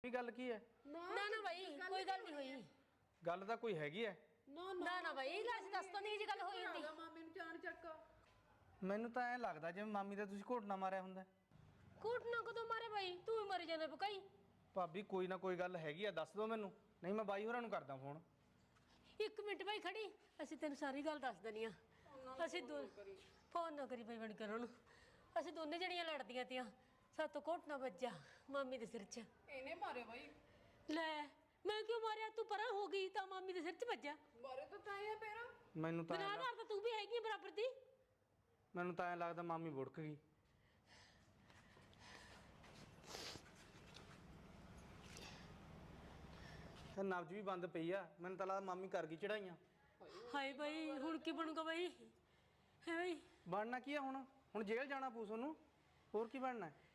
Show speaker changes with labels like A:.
A: ਕੀ ਗੱਲ ਕੀ ਹੈ?
B: ਨਾ ਬਾਈ ਕੋਈ ਗੱਲ ਨਹੀਂ ਹੋਈ।
A: ਗੱਲ ਤਾਂ ਕੋਈ ਹੈਗੀ ਹੈ।
B: ਨਾ ਬਾਈ ਲਾਜ ਦੱਸ ਤਾਂ ਨਹੀਂ ਜੀ ਗੱਲ ਹੋਈ ਹੁੰਦੀ।
C: ਮਾਮੀ ਨੂੰ ਜਾਣ ਚੱਕ।
A: ਮੈਨੂੰ ਤਾਂ ਐਂ ਲੱਗਦਾ ਜਿਵੇਂ ਮਾਮੀ ਦਾ ਤੁਸੀਂ ਘੋਟਣਾ ਮਾਰਿਆ ਹੁੰਦਾ।
B: ਘੋਟਣਾ ਕਦੋਂ ਮਾਰੇ ਬਾਈ? ਤੂੰ ਹੀ ਮਰ ਜਾਂਦਾ ਬਕਾਈ।
A: ਭਾਬੀ ਕੋਈ ਨਾ ਕੋਈ ਗੱਲ ਹੈਗੀ ਆ, ਦੱਸ ਦਿਓ ਮੈਨੂੰ, ਨਹੀਂ ਮੈਂ ਬਾਈ ਹੋਰਾਂ ਨੂੰ ਕਰਦਾ ਫੋਨ।
B: 1 ਮਿੰਟ ਬਾਈ ਖੜੀ, ਅਸੀਂ ਤੈਨੂੰ ਸਾਰੀ ਗੱਲ ਦੱਸ ਦਨੀ ਆ। ਅਸੀਂ ਫੋਨ ਨਾ ਕਰੀ ਬਾਈ ਬਣ ਕੇ ਉਹਨਾਂ ਨੂੰ। ਅਸੀਂ ਦੋਨੇ ਜਣੀਆਂ ਲੜਦੀਆਂ ਤੀਆਂ, ਸਾਤੋਂ ਘੋਟਣਾ ਵੱਜਾ ਮਾਮੀ ਦੇ ਸਿਰ 'ਚ।
C: ਇਹਨੇ ਮਾਰੇ ਬਾਈ।
B: ਲੈ ਮੈਂ ਕਿਉਂ ਮਾਰਿਆ? ਤੂੰ ਪਰਾਂ ਹੋ ਗਈ ਤਾਂ ਮਾਮੀ ਦੇ ਸਿਰ 'ਚ ਵੱਜਾ।
C: ਮਾਰੇ ਤਾਂ ਤਾਂ ਇਹ ਪੈਰ।
A: ਮੈਨੂੰ ਤਾਂ
B: ਬਰਾਬਰ ਤਾਂ ਤੂੰ ਵੀ ਹੈਗੀ ਬਰਾਬਰ ਦੀ।
A: ਮੈਨੂੰ ਤਾਂ ਐਂ ਲੱਗਦਾ ਮਾਮੀ ਵੁੜਕ ਗਈ। ਤੇ ਨਬਜ਼ ਵੀ ਬੰਦ ਪਈ ਆ, ਮੈਨੂੰ ਤਾਂ ਲੱਗਦਾ ਮਾਮੀ ਕਰ ਗਈ ਚੜਾਈਆਂ।
B: ਹਾਏ ਬਾਈ ਹੁਣ ਕੀ ਬਣੂਗਾ ਬਾਈ? ਹੈ ਬਾਈ
A: ਬਣਨਾ ਕੀ ਆ ਹੁਣ ਜੇਲ੍ਹ ਜਾਣਾ ਪਊ ਤੁਹਾਨੂੰ, ਹੋਰ ਕੀ ਬਣਨਾ?